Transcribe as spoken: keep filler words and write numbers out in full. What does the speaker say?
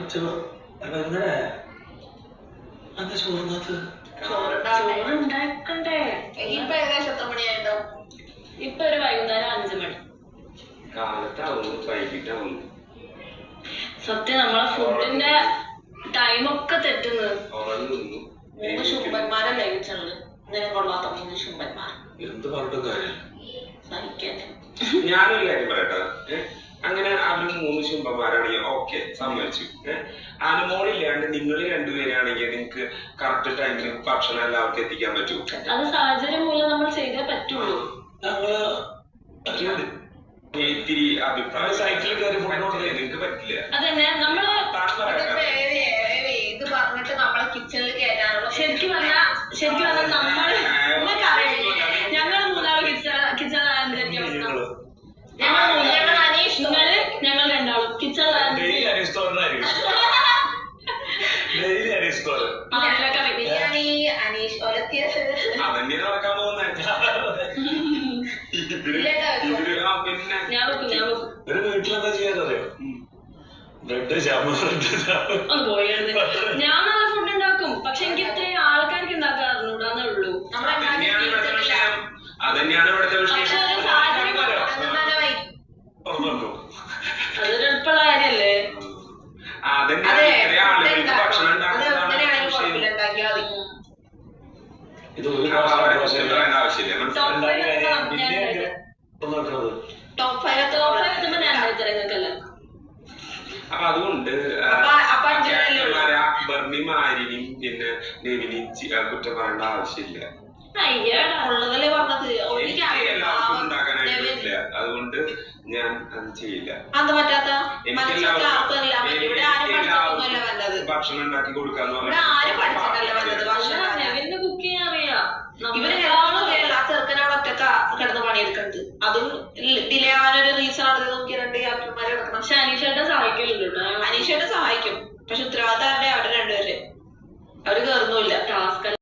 എന്താ ചോറിനകത്ത് ചോറുണ്ടാക്കണ്ടേ? ഇപ്പൊ ഏകദേശം എത്ര മണിയായിട്ടുണ്ടാവും? ഇപ്പൊ ഒരു വൈകുന്നേരം അഞ്ചു മണി. കാലത്താവുന്നു വൈകിട്ടാവുന്നു. സത്യം നമ്മളെ ഫുഡിന്റെ ടൈമൊക്കെ തെറ്റുന്നത്. മൂന്ന് ശുംഭന്മാരല്ലേ കിച്ചണില്? ഇങ്ങനെ കൊള്ളാത്ത മൂന്ന് ശുംഭന്മാർ. എന്ത് പറഞ്ഞിട്ടും കാര്യമില്ല. സഹിക്കാൻ ഞാനൊരു കാര്യം പറയട്ടെ, അങ്ങനെ അവര് മൂന്ന് ശുംഭന്മാരാണെങ്കിൽ ഓക്കെ സമ്മതിച്ചു. അനുമോളില്ലാണ്ട് നിങ്ങൾ രണ്ടുപേരാണെങ്കിൽ നിങ്ങൾക്ക് കറക്റ്റ് ടൈമിന് ഭക്ഷണം എല്ലാവർക്കും എത്തിക്കാൻ പറ്റൂ. അത് സാഹചര്യം മൂലം നമ്മൾ ചെയ്തേ പറ്റുള്ളൂ. ഇത്തിരി അഭിപ്രായം സൈക്കിളിൽ കയറി നിങ്ങൾക്ക് പറ്റില്ല. അതന്നെ നമ്മള് ഇത് പറഞ്ഞിട്ട് നമ്മളെ കിച്ചണിൽ കയറ്റാനുള്ള ശരിക്കും പറഞ്ഞാൽ ശരിക്കും പറഞ്ഞാൽ നമ്മള് ഞങ്ങൾ മൂന്നാള് കിച്ചൺ കിച്ചണിലായ അവസ്ഥ. ഞങ്ങൾ മൂന്നാള് അനീഷ് നിങ്ങള് ഞങ്ങൾ രണ്ടാളും കിച്ചണിലായ അനീഷ് ഒലത്തിയത് അതന്നെ നടക്കാൻ പോകുന്നത്. ഞാൻ വെക്കും ഞാൻ വെക്കും. ഒരു വീട്ടിലെന്താ ചെയ്യാനറിയോ? ബ്രെഡ് ജാമ് ഒന്ന് പോയിരുന്നു. ഞാൻ നല്ല ഫുഡ് ഉണ്ടാക്കും, പക്ഷെ എനിക്ക് ഇത്രയും ആൾക്കാർക്ക് ഉണ്ടാക്കാൻ അറിഞ്ഞൂടാന്നേ ഉള്ളൂ. അതന്നെയാണ് ഇവിടുത്തെ പക്ഷെ ഒരു സാഹചര്യം തുറന്നു അതൊരു എളുപ്പമുള്ള കാര്യല്ലേ? ഭക്ഷണം ഇത് ഒരു ആവശ്യമില്ല. ടോപ്പ് ഫൈവ് എത്തുമ്പോ ഞാൻ നിങ്ങൾക്കല്ല. അപ്പൊ അതുകൊണ്ട് ബർണിയും ആര്യനും പിന്നെ നെവിനും കുറ്റം പറയേണ്ട ആവശ്യമില്ല. അയ്യടാ ഉള്ളതല്ലേ പറഞ്ഞത്. എല്ലാവർക്കും ഉണ്ടാക്കാനായിട്ടില്ല, അതുകൊണ്ട് ഞാൻ അത് ചെയ്യില്ല. അത് പറ്റാത്ത ഭക്ഷണം ഉണ്ടാക്കി കൊടുക്കാന്ന് നെവിന് കുക്ക് ചെയ്യാൻ അറിയാം. ഇവര് ചെറുക്കനവിടെ ഒറ്റക്ക കിടന്ന് പണിയെടുക്കുന്നത്. അതും ഡിലേ ആവാനൊരു റീസൺ ആണ്. നോക്കി രണ്ട് ക്യാപ്റ്റന്മാരെ കിടക്കണം. പക്ഷെ അനീഷേട്ടൻ സഹായിക്കലുണ്ട് കേട്ടോ. അനീഷേട്ടൻ സഹായിക്കും, പക്ഷെ ഉത്തരവാദിത്തം അവരുടെ രണ്ടുപേര് അവര് കേറുന്നുമില്ല. ടാസ്ക്